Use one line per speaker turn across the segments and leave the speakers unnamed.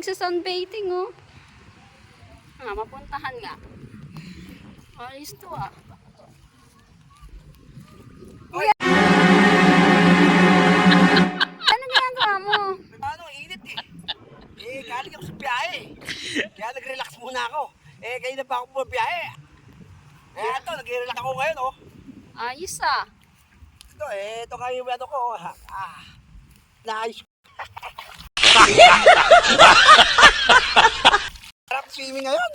nagsa-sunbathing, oh. Mapuntahan nga. Alis to, ah. Kuya! Ano ginagawa mo?
Paano, init eh. Galing ako sa biyahe. Kaya nag-relax muna ako. Kayo na pa ako po biyahe. Ito, nag-relax ako ngayon, oh.
Ayos, ah.
Ito kayo yung ano ko. Naayos. Sarap swimming ngayon.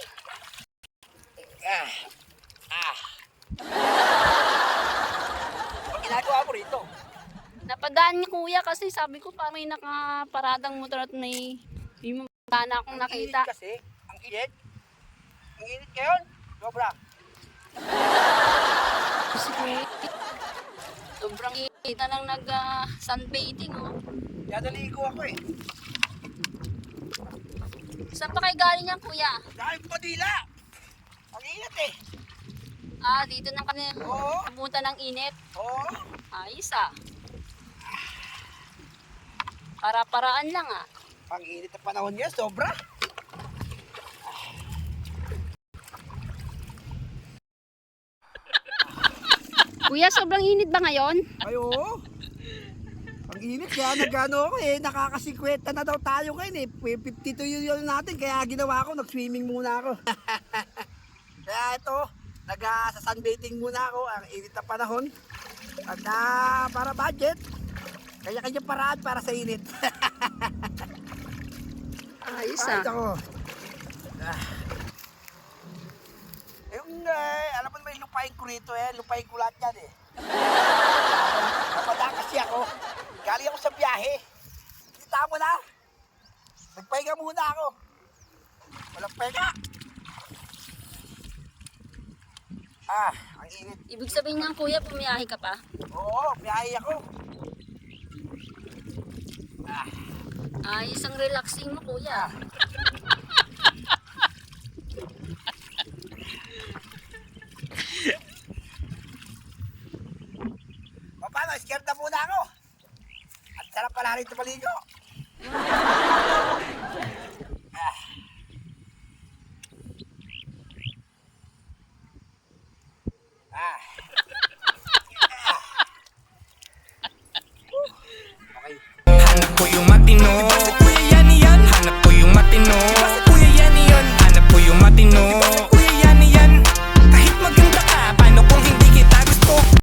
Ang ginagawa ko rito.
Napadaan niya kuya kasi sabi ko parang may nakaparadang motor at may na akong nakita.
Ang init kasi. Ang init. Ang init ngayon. Sobra.
Sobrang init na lang nag-sunbathing, oh.
Kaya naligo ako eh.
Saan pa kayo galing yan, kuya?
Dahil Padilla. Ang init eh.
Dito nang kami
Oo.
pupunta ng init.
Oo.
Ayos, ah. Para-paraan lang, ah.
Ang init na panahon niya, sobra.
Kuya, sobrang init ba ngayon?
Ay, oo. Ang init, kaya nagano ako eh. Nakaka-50 na daw tayo ngayon eh. 52 yun natin, kaya ginawa ko, nag-swimming muna ako. Kaya ito, nag-sunbathing muna ako. Ang init na panahon. At para budget, kanya-kanya paraan para sa init.
Ayos,
Ay,
ah.
ako. Alam mo naman yung lupain ko rito eh. Lupain ko lahat yan eh. Napadaan kasi ako. Galing ako sa biyahe. Kita mo na. Nagpahinga muna ako. Walang pahinga. Ang init.
Ibig sabihin niyan, kuya, pumiyahe ka pa?
Oo, biyahe ako.
Ayos ang relaxing mo, kuya.
Paano, scared na muna ako. At sarap pala rito maligo. Okay.
Hanap ko yung matino